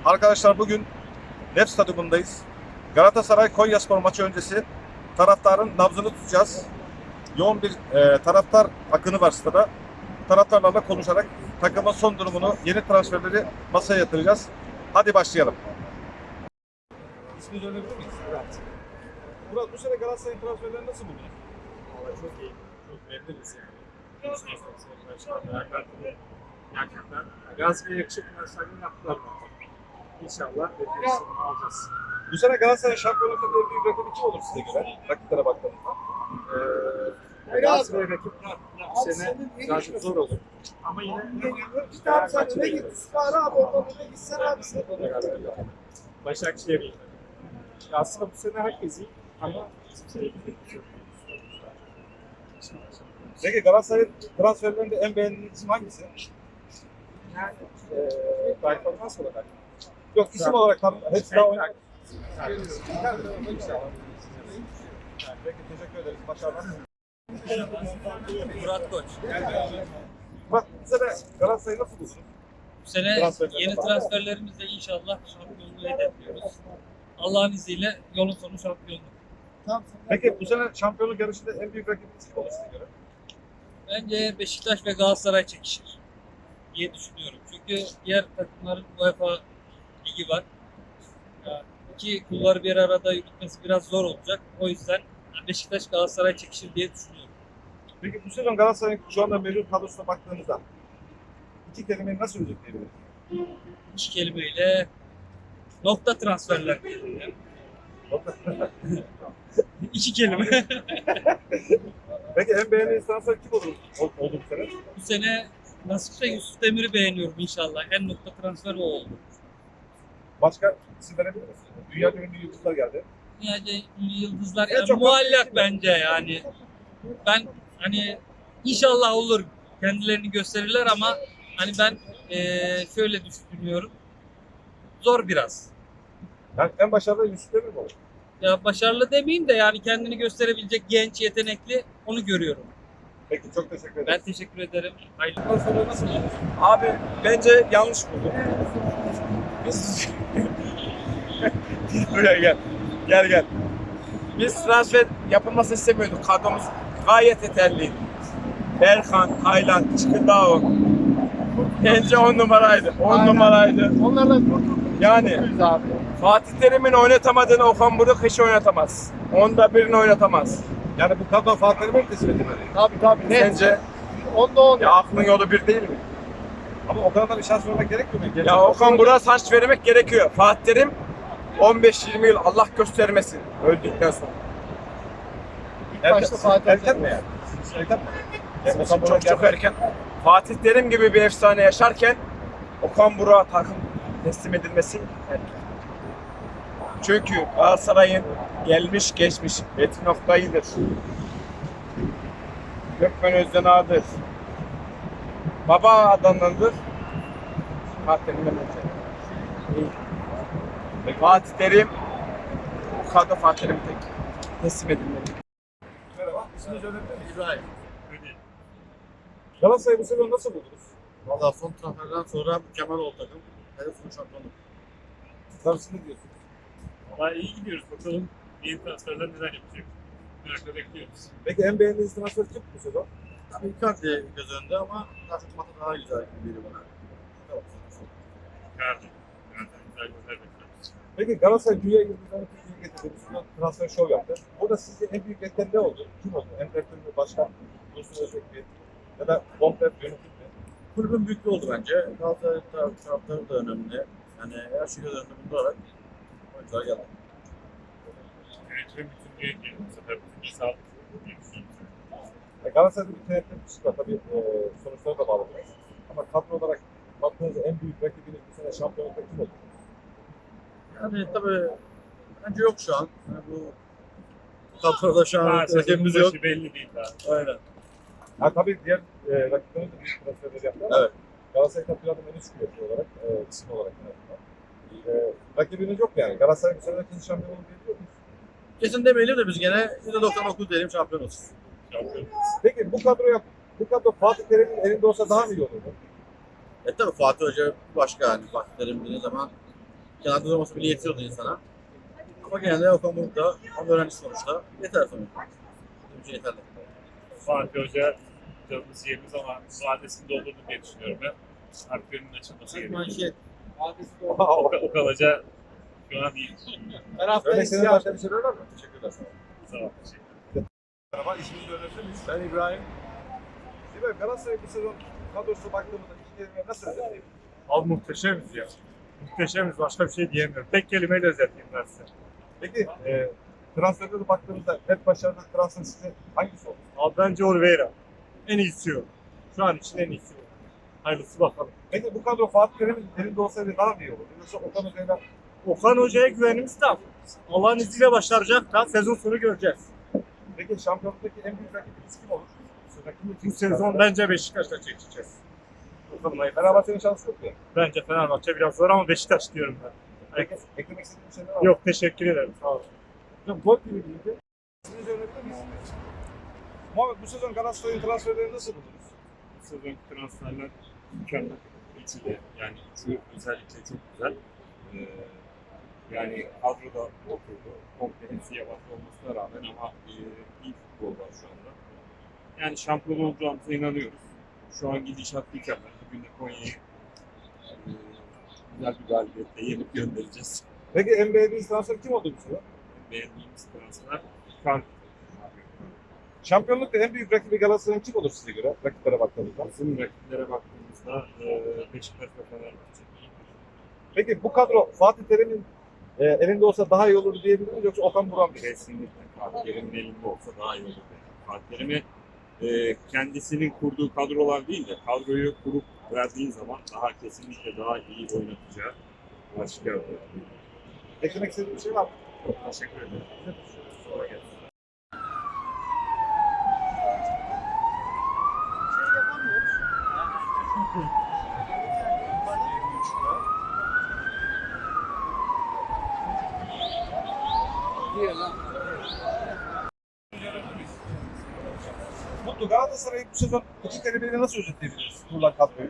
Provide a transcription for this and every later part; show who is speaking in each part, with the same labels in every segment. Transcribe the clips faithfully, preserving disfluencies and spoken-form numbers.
Speaker 1: Arkadaşlar bugün Nef Stadyumundayız. Galatasaray Konyaspor maçı öncesi taraftarın nabzını tutacağız. Yoğun bir e, taraftar akını var stada. Taraftarlarla konuşarak takımın son durumunu, yeni transferleri masaya yatıracağız. Hadi başlayalım. İsmini söyleyebilir miyiz?
Speaker 2: Evet.
Speaker 1: Murat, bu sene Galatasaray'ın transferleri nasıl buldun?
Speaker 2: Vallahi çok iyi. Çok memnunuz yani. Gerçekten Galatasaray'a yakışık transferini yaptılar. İnşallah beklediğimizi alacağız.
Speaker 1: Bu sene Galatasaray şampiyonlukta en büyük rakibi kim olur size göre? Rakiplere baktığınızda.
Speaker 2: Ee, Galatasaray rakipler bu sene birazcık zor olur. Ama yine
Speaker 3: İşte abi sen öne git. İstihara abi oradan öne gitsen abi sen.
Speaker 2: Başakşehir. Aslında bu sene herkes iyi ama bizim sene
Speaker 1: Peki Galatasaray transferlerinde en beğendiğiniz isim hangisi?
Speaker 2: yani e, performans olarak
Speaker 1: Yok, isim olarak tam hepsi daha oynar.
Speaker 2: İnşallah.
Speaker 1: Peki, teşekkür ederiz. Başarılar.
Speaker 4: Murat Koç.
Speaker 1: Bak, bu sene Galatasaray'ı nasıl buldun?
Speaker 4: Bu sene
Speaker 1: Transferlerine
Speaker 4: yeni
Speaker 1: bak.
Speaker 4: transferlerimizle inşallah şampiyonluğu hedefliyoruz. Allah'ın izniyle yolun sonu şampiyonluk.
Speaker 1: Peki bu sene şampiyonluk yarışında en büyük rakibiniz kim olur size göre?
Speaker 4: Bence Beşiktaş ve Galatasaray çekişir diye düşünüyorum. Çünkü diğer takımların UEFA ligi var. Yani iki kulları bir arada yürütmesi biraz zor olacak. O yüzden Beşiktaş Galatasaray çekişir diye düşünüyorum.
Speaker 1: Peki bu sezon Galatasaray'ın şu anda mevcut kadrosuna baktığınızda iki kelimeyi nasıl özetleyebiliriz?
Speaker 4: İki kelimeyle nokta transferler diyelim ya. İki kelime.
Speaker 1: Peki en beğendiğiniz transfer kim olur ol- oldu bu sene?
Speaker 4: Bu sene nasipse Yusuf Demir'i beğeniyorum inşallah. En nokta transfer o oldu.
Speaker 1: Başka isim verebilir misiniz? Dünya ünlü yıldızlar geldi.
Speaker 4: Yani yıldızlar
Speaker 1: En
Speaker 4: yani
Speaker 1: çok-
Speaker 4: muallak bence yani. Ben hani inşallah olur, kendilerini gösterirler ama hani ben eee, şöyle düşünüyorum. Zor biraz.
Speaker 1: Yani en başarılı Yusuf Demir mi olur?
Speaker 4: Ya başarılı demeyeyim de yani kendini gösterebilecek genç, yetenekli onu görüyorum.
Speaker 1: Peki, çok teşekkür ederim.
Speaker 4: Ben teşekkür ederim. Hayırlı.
Speaker 1: Transferleri nasıl buldunuz?
Speaker 2: Abi bence yanlış bulduk. Biz
Speaker 1: Buraya gel. Gel gel.
Speaker 2: biz transfer yapılmasını istemiyorduk. Kadromuz gayet yeterliydi. Berkan, Taylan, Çıkıdao. Bence on numaraydı. On
Speaker 3: Aynen.
Speaker 2: numaraydı.
Speaker 3: Onlardan kurtulduk.
Speaker 2: Yani
Speaker 3: Biz abi.
Speaker 2: Fatih Terim'in oynatamadığını Okan Buruk hiç oynatamaz. Onda birini oynatamaz.
Speaker 1: Yani bu kadro Fatih Terim'e mi teslim edilmeli?
Speaker 3: Tabii tabii. Net.
Speaker 2: Sence
Speaker 3: Onda on.
Speaker 2: ya aklın yolu bir değil mi?
Speaker 1: Ama o kadar da bir şans vermek gerekmiyor mu?
Speaker 2: Ya Okan Buruk'a şans vermek gerekiyor. Fatih Terim on beş yirmi yıl Allah göstermesin öldükten sonra.
Speaker 3: İlk başta
Speaker 1: Erken,
Speaker 3: Fatih
Speaker 1: erken mi yani? Erken mi?
Speaker 2: Bizim
Speaker 1: Okan
Speaker 2: için
Speaker 1: Buruk
Speaker 2: çok çok
Speaker 1: geldi.
Speaker 2: erken. Fatih Terim gibi bir efsane yaşarken Okan Buruk'a takım teslim edilmesi erken. Çünkü Galatasaray'ın gelmiş geçmiş Metin Oktay'ıdır. Gökmen Özdenağ'dır. Baba adamlardır. Fatih Terim'den önce. İyi. Fatih Terim bu kadro Fatih Terim tek teslim edilmeli.
Speaker 1: Merhaba. İsmini söyleyebilir miyiz?
Speaker 3: İbrahim.
Speaker 1: Galatasaray'ı bu sezon nasıl buldunuz?
Speaker 3: Valla son transferden sonra mükemmel oldu takım. Hedef son şampiyonluk.
Speaker 1: Tabii siz ne diyorsunuz?
Speaker 5: Valla iyi gidiyoruz. Bakalım yeni transferler neler yapacak. Merakla bekliyoruz.
Speaker 1: Peki en beğendiğiniz transfer kim bu sezon?
Speaker 3: Tabii Icardi göz önünde ama daha çok Mata daha güzel gibi geliyor bana.
Speaker 5: Yardım. Yani güzel gözler bekliyoruz.
Speaker 1: Peki Galatasaray dünya yıldızlarını Türkiye'ye getirdi. Bir sezon transfer şov yaptı. Burada sizce en büyük etken ne oldu? Kim oldu? En direktör mü? Başkan? Dursun Özbek mi? Ya da komple yönetim mi?
Speaker 3: Kulübün büyüklüğü oldu bence. Galatasaray taraf- taraftarı da önemli. Yani her şey göz önünde bulundurarak oyuncular geldi.
Speaker 5: Yönetimin bütünlüğe gelin. Bu sefer bütünlüğü sağlık diye düşünüyorum.
Speaker 1: Ya Galatasaray'da bir tenekkül var. Tabii e, sonuçlara da bağlı biraz. Ama kadro olarak baktığınızda en büyük rakibiniz bu sene şampiyonlukta kim oldu?
Speaker 3: Yani tabii bence yok şu an. Yani bu kadroda şu an
Speaker 5: Ha, sezonun
Speaker 3: rakibimiz yok.
Speaker 5: başı belli değil daha.
Speaker 3: Aynen.
Speaker 1: Ha tabii diğer e, rakiplerimiz de büyük transferler yaptı ama
Speaker 3: Evet.
Speaker 1: Galatasaray tabii planın en üst kuvveti olarak, e, isim olarak en azından. E, rakibiniz yok yani. Galatasaray bu sene ikinci şampiyon olur diyebiliyor muyuz?
Speaker 3: Kesin demeyelim de biz gene yüzde doksan dokuz diyelim şampiyon olsun.
Speaker 5: Şampiyon.
Speaker 1: Peki bu kadroya, bu kadro Fatih Terim'in elinde olsa daha mı iyi olurdu?
Speaker 3: E tabii Fatih Hoca başka yani. Fatih Terim dediği zaman Kenarda durması bile yetiyordu insana. Ama genelde Okan Buruk da ama öğrenci sonuçta yeter sonuçta. Bizim için yeterli.
Speaker 5: Fatih Hoca canımız yerimiz ama vadesini doldurdu diye düşünüyorum ben. Artık önünün açılması gerekiyor.
Speaker 3: Manşet.
Speaker 5: O, o kalıca şu an iyi.
Speaker 3: Her hafta
Speaker 1: Öyle senin başka bir şeyler var mı? Teşekkürler sana.
Speaker 5: Sağ ol.
Speaker 1: Merhaba, ismini öğrenebilir miyiz?
Speaker 3: Ben İbrahim.
Speaker 1: İbrahim, Galatasaray bu sezon kadrosu baktığımızda iki kelime nasıl özetleyelim?
Speaker 5: Abi muhteşemiz ya. Muhteşemiz. Başka bir şey diyemiyorum. Tek kelimeyle özetleyeyim ben size.
Speaker 1: Peki, e, transferlere baktığımızda net başarılı transfer size hangisi oldu?
Speaker 5: Abi bence Oliveira. En iyisi o. Şu an için en iyisi o. Hayırlısı bakalım.
Speaker 1: Peki bu kadro Fatih Terim'in elinde olsaydı daha mı iyi olurdu? Yoksa Okan Hoca'yla
Speaker 5: Okan Hoca'ya güvenimiz tam. Allah'ın izniyle başaracak da sezon sonu göreceğiz.
Speaker 1: peki şampiyonluktaki en büyük rakibiniz kim olur?
Speaker 5: Bu sezon bence Beşiktaş'la çekeceğiz. Bakalım hayırlısı.
Speaker 1: Fenerbahçe'nin şansı yok mu?
Speaker 5: Bence Fenerbahçe biraz zor ama Beşiktaş diyorum ben.
Speaker 1: Peki, eklemek istediğim şeyler var mı?
Speaker 5: Yok teşekkür ederim. Sağ olun.
Speaker 1: Yok, gol gibi değildi. İsminizi öğrenebilir misiniz? Muhammed, bu sezon Galatasaray'ın transferlerini nasıl buldunuz?
Speaker 6: Bu sezonki transferler mükemmel. Üçü de yani üçü özellikle çok güzel. Ee, yani kadroda oturdu. Komple hepsi yabancı olmasına rağmen ama e, iyi futbol var şu anda. Yani şampiyon olacağımıza inanıyoruz. Şu an gidişat mükemmel. Bugün de Konya'yı e, güzel bir galibiyetle yenip göndereceğiz.
Speaker 1: Peki en beğendiğiniz transfer kim oldu bu sezon?
Speaker 6: Beğendiğimiz transfer Kan.
Speaker 1: Şampiyonlukta en büyük rakibi Galatasaray'ın kim olur size göre? Rakiplere baktığınızda.
Speaker 6: Bizim rakiplere baktığımızda e, Beşiktaş ve Fenerbahçe.
Speaker 1: Peki bu kadro Fatih Terim'in e, elinde olsa daha iyi olur diyebilir miyiz yoksa Okan Buruk mu?
Speaker 6: Kesinlikle Fatih Terim'in elinde olsa daha iyi olur. Fatih Terim'i e, kendisinin kurduğu kadrolar değil de kadroyu kurup verdiğin zaman daha kesinlikle daha iyi oynatacağı aşikar oluyor.
Speaker 1: Eklemek istediğim bir şey var mı?
Speaker 6: Çok teşekkür ederim. Sonra gelsin.
Speaker 1: Mutlu, Galatasaray'ı bu sezon iki kelimeyle nasıl özetleyebiliriz? Kurulan kadroyu.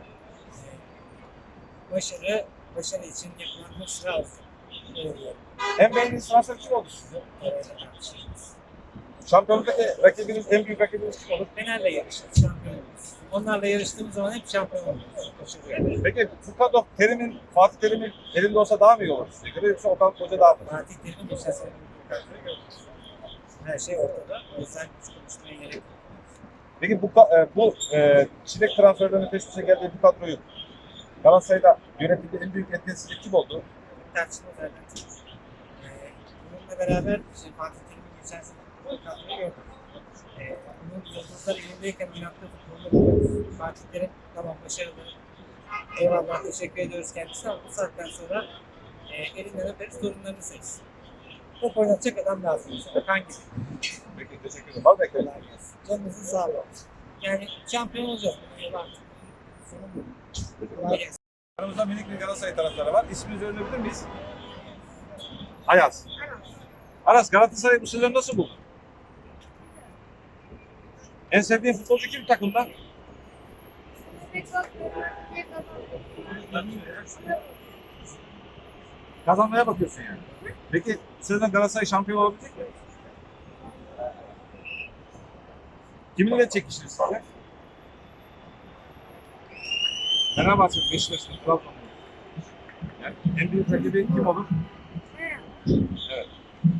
Speaker 7: Başarı, başarı için yapılan müsra olsun.
Speaker 1: En beğendiğiniz transfer kim oldu size? Şampiyonluktaki rakibiniz, en büyük rakibiniz kim olur?
Speaker 7: Fener'le yarıştık, şampiyon oluruz. Onlarla yarıştığımız zaman hep şampiyon oluruz. Başarı.
Speaker 1: Peki bu kadro Terim'in, Fatih Terim'in elinde olsa daha mı iyi olur size göre yoksa Okan Hoca daha mı?
Speaker 7: Fatih Terim'in geçen sene bir kadroyu gördük. Her şey ortada. O yüzden hiç konuşmaya gerek yok.
Speaker 1: Peki bu ka- e, bu e, çilek transferlerinin peş peşe geldiği bu kadroyu Galatasaray'da yönetimde en büyük etkisizlik kim oldu?
Speaker 7: Tartışma zaten çok. Ee, bununla beraber işte Fatih Terim'in geçen sene bir kadroyu gördük. Ee, bunun yıldızları elindeyken inatlı futbolda buluyoruz. Fatih Terim tamam başarılı. Eyvallah teşekkür ediyoruz kendisine ama bu saatten sonra e, elinden öperiz sorunlarını seçsin. Top oynatacak adam lazım mesela. Hangi?
Speaker 1: Peki teşekkür ederim. Var mı eklemek?
Speaker 7: Kolay gelsin. Canınızın sağlığı. Yani şampiyon olacağız. Bunu yıl artık. Sorun bu. Kolay gelsin.
Speaker 1: Aramızda minik bir Galatasaray taraftarı var. İsminizi öğrenebilir miyiz? Ayaz. Aras, Galatasaray bu sezon nasıl buldun? En sevdiğin futbolcu kim takımda? Kazanmaya bakıyorsun yani. Peki bu sezon Galatasaray şampiyon olabilecek mi? Kiminle çekişir sizce? Fenerbahçe, Beşiktaş, Trabzon. Yani en büyük rakibi kim olur? Evet.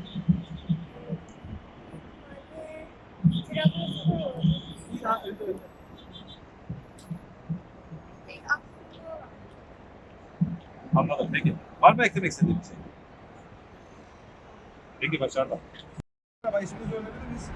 Speaker 1: Anladım. Peki. Var mı eklemek istediğin bir şey? Peki başarılar. Merhaba, isminizi öğrenebilir miyiz?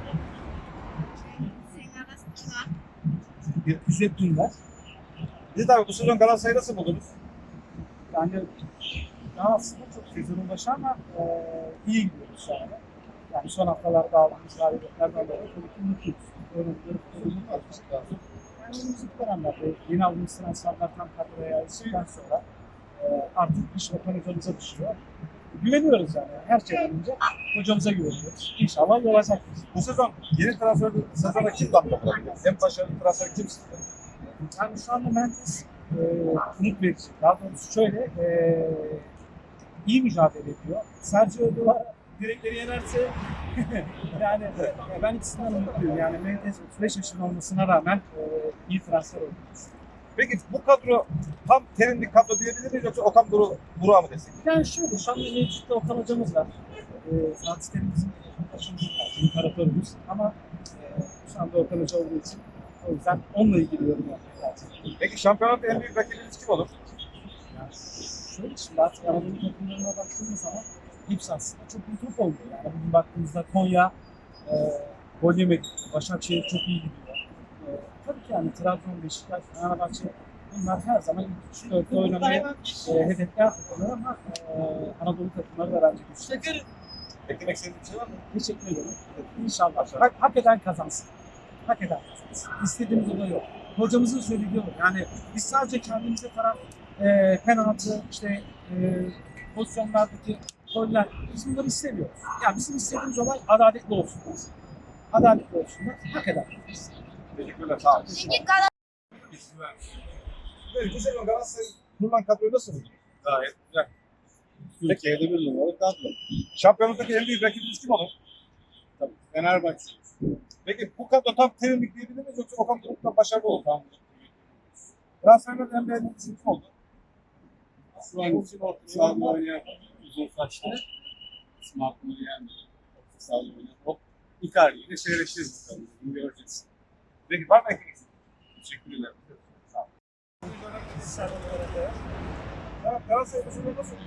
Speaker 1: Hüseyin Dündar. Biz de abi bu sezon Galatasaray'ı nasıl buldunuz?
Speaker 8: Yani daha aslında çok sezonun başı ama e, iyi gidiyoruz şu anda. Yani son haftalarda aldığımız galibiyetlerden dolayı tabii ki mutluyuz. Oyuncuları futbolunu tartıştık lazım. Yani önümüzdeki dönemlerde yeni aldığımız transferler tam kadroya yerleştikten sonra e, artık iş Okan hocamıza düşüyor. Güveniyoruz yani. Her şeyden önce hocamıza güveniyoruz. İnşallah yol açacak.
Speaker 1: Bu sezon yeni transfer sezona kim damga vurabilir? En başarılı transfer kim sizce?
Speaker 8: Yani şu anda Mendes e, umut verici. Daha doğrusu şöyle, e, iyi mücadele ediyor. Sergio Duvara direkleri yenerse yani e, ben ikisinden umutluyum. Yani Mendes otuz beş yaşında olmasına rağmen e, iyi transfer oldu.
Speaker 1: Peki bu kadro tam terimli kadro diyebilir miyiz yoksa Okan Buru, Burak'ı mı desek?
Speaker 8: Yani şöyle, şu anda mevcutta Okan hocamız var. E, Fatih Terim bizim başımızın imparatorumuz. Ama e, şu anda Okan hoca olduğu için o yüzden onunla ilgili yorum yapmak lazım.
Speaker 1: Peki şampiyonat en büyük rakibiniz kim olur?
Speaker 8: Yani şöyle şimdi artık Anadolu takımlarına baktığımız zaman hepsi aslında çok iyi top oynuyor. Yani bugün baktığımızda Konya e, gol yemedi. Başakşehir çok iyi gidiyor. E, tabii ki yani Trabzon, Beşiktaş, Fenerbahçe bunlar her zaman ilk üç dörtte oynamaya e, hedefler takımlar ama e, Anadolu takımları da bence güçlü.
Speaker 1: Eklemek istediğiniz bir şey var mı?
Speaker 8: Teşekkür ederim. İnşallah. Hak, hak eden kazansın. Hak eden kazansın. İstediğimiz o da yok. Hocamızın söylediği o. Yani biz sadece kendimize taraf e, penaltı, işte e, pozisyonlardaki goller, biz bunları istemiyoruz. Yani bizim istediğimiz olay adaletli olsun. Adaletli olsunlar. Hak eden kazansın.
Speaker 1: Teşekkürler. Sağ olun.
Speaker 9: Peki Galatasaray
Speaker 1: Evet, bu sezon Galatasaray'ın kurulan kadroyu nasıl buldun?
Speaker 3: Gayet güzel. Türkiye'de bir numaralı kadro.
Speaker 1: Şampiyonluktaki en büyük rakibiniz kim olur?
Speaker 3: Tabii. Fenerbahçe.
Speaker 1: Peki bu kadro tam terimlik diyebilir miyiz yoksa Okan Buruk'tan başarılı oldu? Tamam. Transferlerin en beğendiğiniz kim oldu?
Speaker 3: Şu an için orta sahada oynayan uzun saçlı. Smart oynayan orta sahada oynayan. O Icardi ile seyredeceğiz bakalım. Bunu göreceğiz.
Speaker 1: Peki var mı eklemek istediğiniz?
Speaker 3: Teşekkürler.
Speaker 1: Sağ olun. Evet, Galatasaray bu sezon nasıl?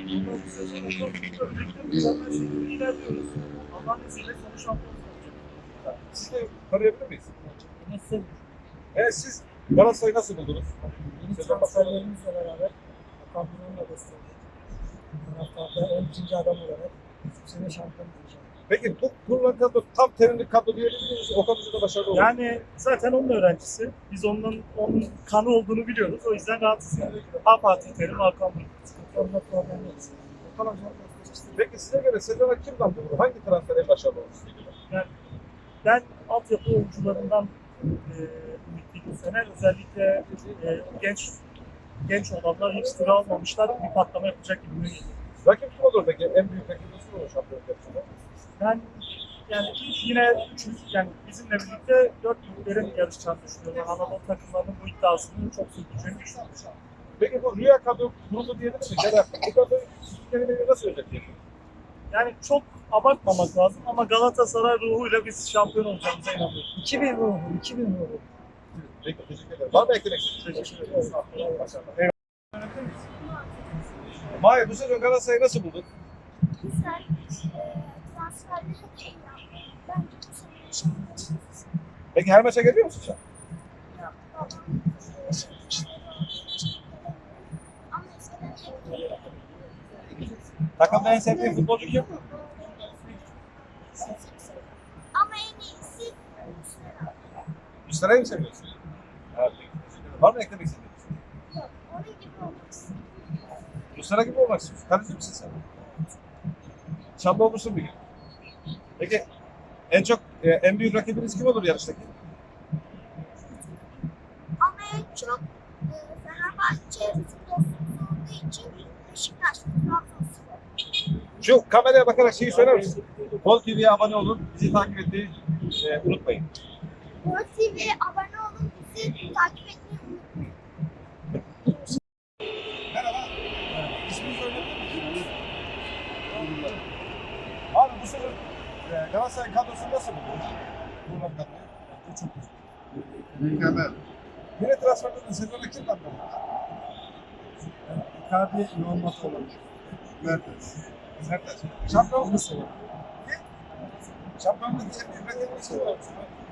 Speaker 8: İlerliyoruz. Allah'ın izniyle sonuç şampiyonu olacak.
Speaker 1: Siz de tanıyabilir miyiz?
Speaker 8: Nasıl?
Speaker 1: Evet, siz Galatasaray'ı nasıl buldunuz?
Speaker 7: Yeni transferlerimizle beraber Okan Buruk'un da desteğiyle taraftarda on ikinci adam olarak bu sene şampiyon olacak.
Speaker 1: Peki bu kurulan kadro tam terimli kadro diyebilir miyiz? Okan Buruk da başarılı oldu.
Speaker 10: Yani zaten onun öğrencisi. Biz onun onun kanı olduğunu biliyoruz. O yüzden rahatsız yani. Ha Fatih Terim, Hakan Buruk.
Speaker 7: Onda problem yok. Okan Hoca'nın destekçisi.
Speaker 1: Peki size göre sezona kim damga vurdu? Hangi transfer en başarılı oldu size göre?
Speaker 10: Yani ben altyapı oyuncularından e, ümitliyim bu sene. Özellikle e, genç genç olanlar hiç süre almamışlar. Bir patlama yapacak gibi geliyor.
Speaker 1: Rakip kim olur peki? En büyük rakibiniz kim olur şampiyonluk yarışında?
Speaker 10: Ben yani yine üçüncü, yani bizimle birlikte dört büyüklerin yarışacağını düşünüyorum. Ben Anadolu takımlarının bu iddiasını çok sürdüreceğini düşünüyorum.
Speaker 1: Peki bu rüya kadro kurulu diyebilir miyiz? Ya da bu kadroyu kelimeyi nasıl özetleyelim?
Speaker 10: Yani çok abartmamak lazım ama Galatasaray ruhuyla biz şampiyon olacağımıza inanıyorum.
Speaker 7: iki bin ruhu, iki bin ruhu.
Speaker 1: Peki teşekkür ederim. Var mı eklemek istediğiniz?
Speaker 10: Teşekkür ederim.
Speaker 1: Başarılar. Eyvallah. Mahir, bu sezon Galatasaray'ı nasıl buldun?
Speaker 9: güzel e, transferleri de iyi yaptı. Bence bu sene şampiyon olacağız.
Speaker 1: Peki her maça geliyor musun sen?
Speaker 9: Yok, babam e, şey, işleri olduğu için gelemiyorum. Ama eskiden hep geliyordu.
Speaker 1: Takımda en sevdiğin futbolcu kim?
Speaker 9: Ama en iyisi Muslera.
Speaker 1: Müslüman'ı mı seviyorsun? Evet. Teşekkür ederim. Var mı eklemek istediğiniz?
Speaker 9: Yok, onun gibi olmak istiyorum.
Speaker 1: Müslüman gibi olmak istiyorsun. Kaleci misin sen? Şampiyon olmuşsun bir gün. Peki en çok e, en büyük rakibiniz kim olur yarıştaki?
Speaker 9: Ama en çok e, Fenerbahçe futbolsuz olduğu için Beşiktaş ve Trabzonspor.
Speaker 1: Şu kameraya bakarak şeyi söyler misin? Gol T V'ye abone olun, bizi takip etmeyi e, unutmayın.
Speaker 9: Gol T V'ye abone olun, bizi takip etmeyi unutmayın.
Speaker 1: Merhaba. İsmini söyleyebilir misiniz? Abi bu sezon e, Galatasaray kadrosunu nasıl buldunuz? Kurulan kadroyu. Çok güzel.
Speaker 3: Mükemmel.
Speaker 1: Yine transferlerden sezona kim damga vurdu?
Speaker 8: Icardi yoğun mat olan.
Speaker 3: Mertens.
Speaker 1: Sertaç. Şampiyonluk
Speaker 8: Nasıl?
Speaker 1: Şampiyonluk en büyük rakibiniz kim olur?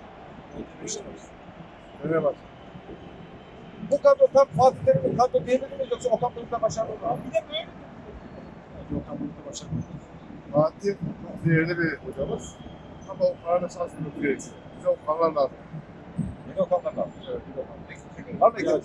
Speaker 1: Öyle bak. Bu kadro tam Fatih Terim'in kadro diyebilir miyiz yoksa Okan Buruk'ta başarılı mı? Bir de böyle.
Speaker 8: Okan Buruk'ta başarılı.
Speaker 3: Fatih değerli bir hocamız. Ama o parada şansını tutuyor. Bize o paralar lazım.
Speaker 1: Bir de Okan'dan da. Evet, bir de Okan. Peki, teşekkür ederim. Var mı eklemek?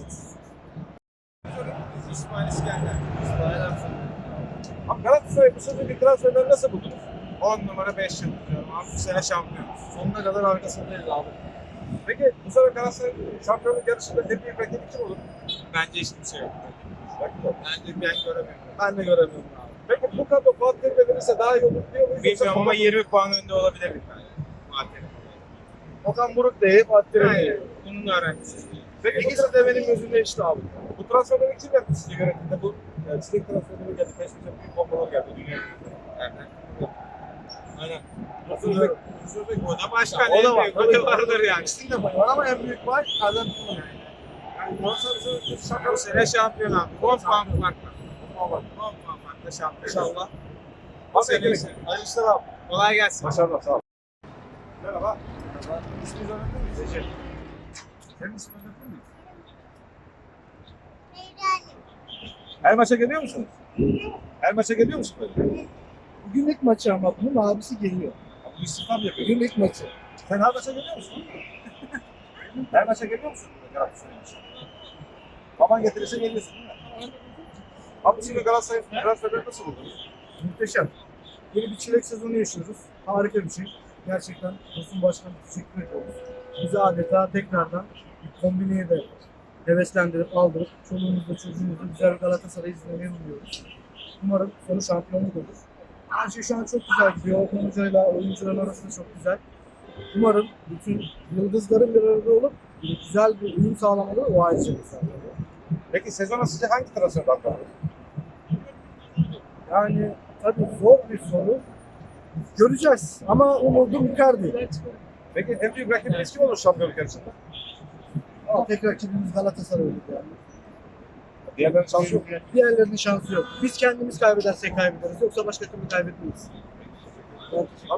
Speaker 3: İsmail İskender. İsmail Aksan.
Speaker 1: Abi Galatasaray bu sezonki transferleri nasıl buldunuz?
Speaker 3: on numara beş yıl diyorum abi. Bu sene şampiyon. Sonuna kadar arkasındayız abi.
Speaker 1: Peki bu sene Galatasaray şampiyonluk yarışında en büyük rakibi kim olur?
Speaker 3: Bence hiç kimse yok.
Speaker 1: Rakip yok.
Speaker 3: Bence ben göremiyorum. Ben de göremiyorum abi.
Speaker 1: Peki bu kadro Fatih Terim'e verirse daha iyi olur diyor muyuz? Yoksa
Speaker 2: Bilmiyorum ama
Speaker 1: Okan-
Speaker 2: yirmi puan önde olabilir bir tane. Fatih.
Speaker 1: Okan Buruk değil, Fatih Terim değil.
Speaker 2: Aynen. Bunun öğrencisi.
Speaker 1: Peki bu
Speaker 2: İkisi de benim gözümde eşit abi.
Speaker 1: Bu transferleri kim yaptı sizce yönetimde? Bu yani çilek transferleri geldi, peş peşe büyük bombalar geldi dünya. Aynen.
Speaker 2: Özürlük. O da başka.
Speaker 1: O da var.
Speaker 2: O da vardır yani.
Speaker 1: İkisinin de var ama en büyük var Arjantin yani. Yani yoksa bize
Speaker 2: Bu
Speaker 1: şaka
Speaker 2: sene şampiyon abi. on puan farkla. on puan farkla şampiyon.
Speaker 1: İnşallah.
Speaker 2: Bu
Speaker 1: Abi
Speaker 2: sene
Speaker 1: gelin.
Speaker 2: ise.
Speaker 1: Hayırlı işler abi.
Speaker 2: Kolay gelsin.
Speaker 1: Başarılar sağ ol. Merhaba. İsminizi öğrenebilir miyiz? Recep. Senin ismini öğrenebilir miyiz? Her maça geliyor musunuz? Her maça geliyor musun böyle?
Speaker 8: Bugün ilk maçı ama bunun abisi geliyor.
Speaker 1: Bu istifa mı yapıyor?
Speaker 8: Bugün ilk maçı.
Speaker 1: Sen her maça geliyor musun? Her maça geliyor musun? Galatasaray maçı. Baban getirirse geliyorsun değil mi? Abi şimdi Galatasaray transferleri nasıl buldunuz?
Speaker 8: Muhteşem. Yeni bir çilek sezonu yaşıyoruz. Harika bir şey. Gerçekten Tosun Başkan'a teşekkür ediyoruz. Bizi adeta tekrardan bir kombineye de heveslendirip aldırıp çoluğumuzla çocuğumuzla güzel bir Galatasaray izlemeyi umuyoruz. Umarım sonu şampiyonluk olur. Her şey şu an çok güzel gidiyor. Okan Hoca'yla oyuncuların arasında çok güzel. Umarım bütün yıldızların bir arada olup güzel bir uyum sağlamaları o ayrıca bir sağlamalı.
Speaker 1: Peki sezona sizce hangi transfer bakıyor?
Speaker 8: Yani tabii zor bir soru. Göreceğiz ama umudum Icardi.
Speaker 1: Peki en büyük rakibiniz kim olur şampiyonluk yarışında?
Speaker 8: Ama tek rakibimiz Galatasaray olur yani.
Speaker 1: Diğerlerinin şansı yok.
Speaker 8: Diğerlerinin şansı yok. Biz kendimiz kaybedersek kaybederiz. Yoksa başka türlü kaybetmeyiz.